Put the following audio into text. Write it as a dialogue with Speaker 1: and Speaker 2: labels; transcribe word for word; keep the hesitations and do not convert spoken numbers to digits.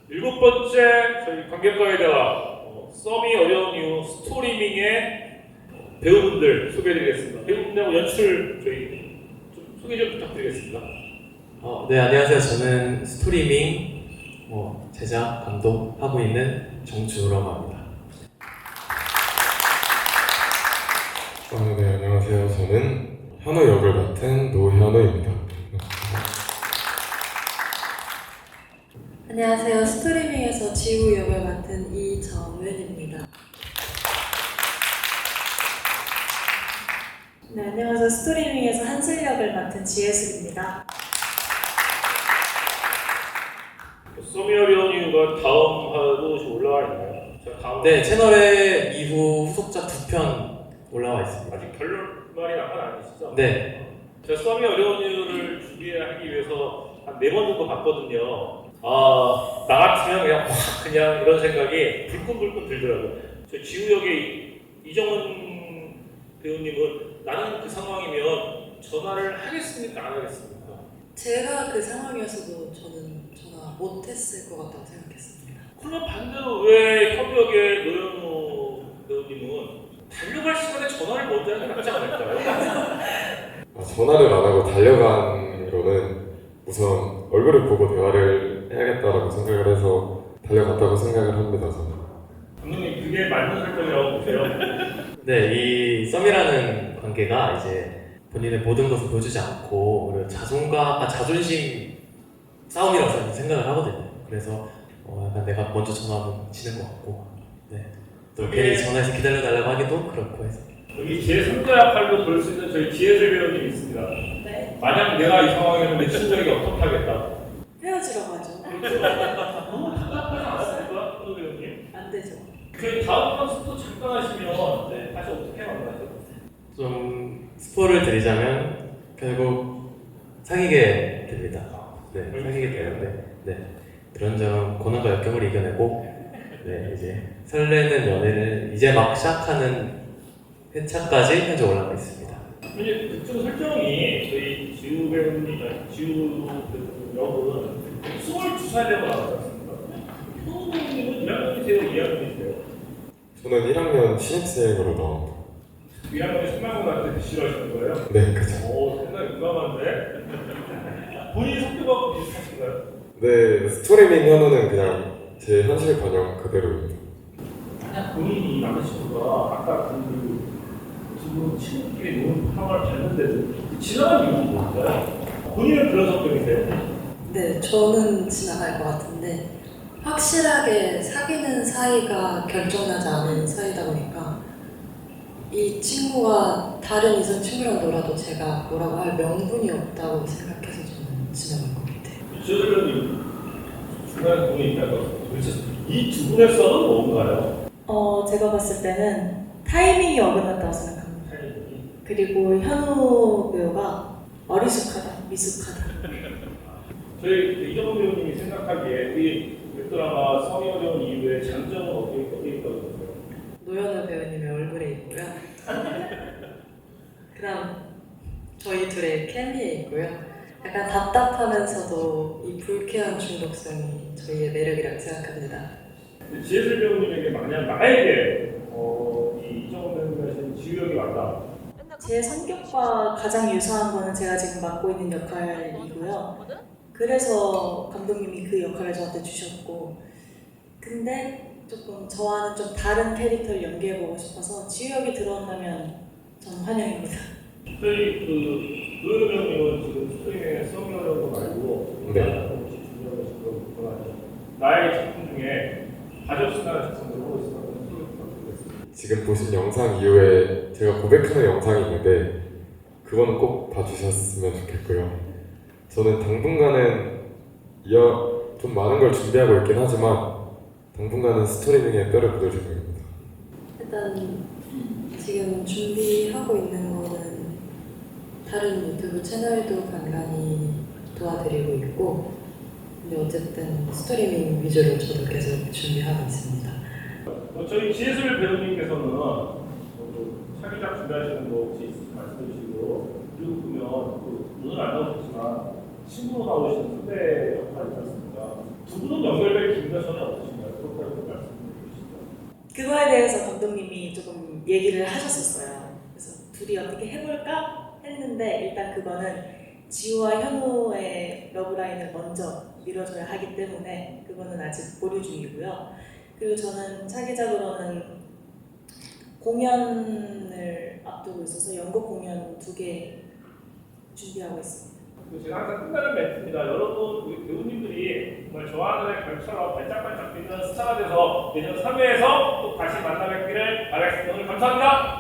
Speaker 1: 일곱 번째 저희 관객과의 대화, 어, 썸이 어려운 이유 스토리밍의 배우분들 소개해드리겠습니다. 배우분들하고 연출 저희 좀 소개 좀 부탁드리겠습니다.
Speaker 2: 어, 네, 안녕하세요. 저는 스토리밍 뭐, 제작, 감독 하고 있는 정준우라고 합니다.
Speaker 3: 아, 네, 안녕하세요. 저는 현우 역을 맡은 노현우입니다.
Speaker 4: 안녕하세요. 스토리밍에서 지우 역을 맡은 이정은입니다. 네, 안녕하세요. 스토리밍에서 한슬 역을 맡은 지혜슬입니다.
Speaker 1: 썸이 어려운 이유가 다음 화도 지금 올라와 있나요? 자, 다음
Speaker 2: 네, 채널에 이후 후속작 두 편 올라와 있습니다.
Speaker 1: 아직 결론말이 난 건 아니시죠?
Speaker 2: 네.
Speaker 1: 제가 썸이 어려운 이유를 준비하기 위해서 한 네 번 정도 봤거든요. 아, 나 같으면 그냥 확 그냥 이런 생각이 불끈불끈 들더라고요. 저 지우 역의 이정은 배우님은 나는 그 상황이면 전화를 하겠습니까? 안 하겠습니까?
Speaker 4: 제가 그 상황이었어도 저는 전화 못했을 것 같다고 생각했습니다.
Speaker 1: 그러면 반대로 왜 협력의 노현우 배우님은 달려갈 시간에 전화를 먼저 하는 게 낫지 않을까요?
Speaker 3: 아, 전화를 안 하고 달려간 거는 우선 얼굴을 보고 대화를 해야겠다라고 생각을 해서 달려갔다고 생각을 합니다. 저는.
Speaker 1: 감독님 그게 맞는 설정이라고 보세요?
Speaker 2: 네, 이 썸이라는 관계가 이제 본인의 모든 것을 보여주지 않고 오히려 자존감, 아, 자존심 싸움이라고 저는 생각을 하거든요. 그래서 어, 약간 내가 먼저 전화하면 지는 것 같고, 네. 또
Speaker 1: 그게-
Speaker 2: 괜히 전화해서 기다려달라고 하기도 그렇고 해서.
Speaker 1: 여기 제삼 자 역할로 볼 수 있는 저희 지혜슬 배우님이 있습니다.
Speaker 4: 네.
Speaker 1: 만약 내가 이 상황이면 내 심정이 어떻게 하겠다?
Speaker 4: 헤어지라고 하죠.
Speaker 1: 너무 답답하지 않습니까? 현우 배우님?
Speaker 4: 안 되죠.
Speaker 1: 그 다음 컨셉도 잠깐 하시면 네, 다시 어떻게 만나죠?
Speaker 2: 좀 스포를 드리자면 결국 사귀게 됩니다. 네, 사귀게 되는데, 네. 그런저런 고난과 역경을 이겨내고, 네, 이제 설레는 연애를 이제 막 시작하는 회차까지 현재 올라가 있습니다.
Speaker 1: 이제 그쪽 설정이 저희 지우 배우님, 아니, 지우 그 역은 스물두 살 되고 나왔지 않습니까? 현우 배우님은 일 학년이세요? 이 학년이세요?
Speaker 3: 저는 일 학년 신입생으로 나옵니다.
Speaker 1: 이 학년이 승마고등학교 싫어하시는 거예요?
Speaker 3: 네, 그죠.
Speaker 1: 오, 상당히 민감한데? 본인 성격하고 비슷하신가요?
Speaker 3: 네, 스토리밍 현우는 그냥 제 현실 번역 그대로입니다.
Speaker 1: 만약 본인이 남자친구가 아까 그 지금 친구끼리 노는 상황을 봤는데도 지나간 이유는 뭘까요? 본인은 그런 성격이세요?
Speaker 4: 네, 저는 지나갈 것 같은데 확실하게 사귀는 사이가 결정나지 않은 사이다 보니까 이 친구가 다른 이성 친구랑 놀아도 제가 뭐라고 할 명분이 없다고 생각해서 저는 지나갈 것 같아요.
Speaker 1: 지효님 중간에 본인이 있다고 도대체 이 두 분의 썰은 뭔가요?
Speaker 4: 어, 제가 봤을 때는 타이밍이 어긋났다고 생각합니다. 그리고 현우 배우가 어리숙하다, 미숙하다.
Speaker 1: 저희 그 이정훈 배우님이 생각하기에 우리 웹드라마 썸이 어려운 이유의 장점은 어디에 어디에 있다고 보세요?
Speaker 4: 노현우 배우님의 얼굴에 있고요. 그다음 저희 둘의 케미에 있고요. 약간 답답하면서도 이 불쾌한 중독성이 저희의 매력이라고 생각합니다.
Speaker 1: 지혜슬 배우님에게 만약 나에게 어, 이 이정훈 배우님이 하신 지우역이 왔다.
Speaker 4: 제 성격과 가장 유사한 거는 제가 지금 맡고 있는 역할이고요. 그래서 감독님이 그 역할을 저한테 주셨고, 근데 조금 저와는 좀 다른 캐릭터를 연기해보고 싶어서 지우역이 들어온다면 저는 환영입니다.
Speaker 1: 저희 그 노현우 배우님은 지금 스토리에 썸이 어려운 거 말고
Speaker 3: 네.
Speaker 1: 혹시 준비하고 계신 거 있거나 나의 작품 중에 가족신화를 작품으로 하고 있어서 소개 부탁드리겠습니다.
Speaker 3: 지금 보신 영상 이후에 제가 고백하는 영상이 있는데 그거는 꼭 봐주셨으면 좋겠고요. 저는 당분간은 이어 좀 많은 걸 준비하고 있긴 하지만 당분간은 스토리밍에 뼈를 묻을 생각입니다.
Speaker 4: 일단 지금 준비하고 있는 거는 다른 유튜브 채널도 간간히 도와드리고 있고, 근데 어쨌든 스토리밍 위주로 저도 계속 준비하고 있습니다.
Speaker 1: 어, 저희 지혜슬 배우님께서는 어, 사기작 준비하시는 거 혹시 말씀해 주시고, 그리고 보면 그 오늘 안 나오셨지만 친구로 나오시는 후배 역할이 있지 않습니까? 않습니까? 두 분은 연결될 기미가 전혀 없으신가요? 그렇다고 말씀해 주시죠.
Speaker 4: 그거에 대해서 감독님이 조금 얘기를 하셨었어요. 그래서 둘이 어떻게 해볼까 했는데 일단 그거는 지우와 현우의 러브라인을 먼저 밀어줘야 하기 때문에 그거는 아직 보류 중이고요. 그리고 저는 차기작으로는 공연을 앞두고 있어서 연극 공연 두 개 준비하고 있습니다.
Speaker 1: 제가 항상 끝나는 멘트입니다. 여러분 우리 배우님들이 정말 좋아하는 별처럼 반짝반짝 빛나는 스타가 돼서 내년 삼 회에서 또 다시 만나 뵙기를 바라겠습니다. 오늘 감사합니다.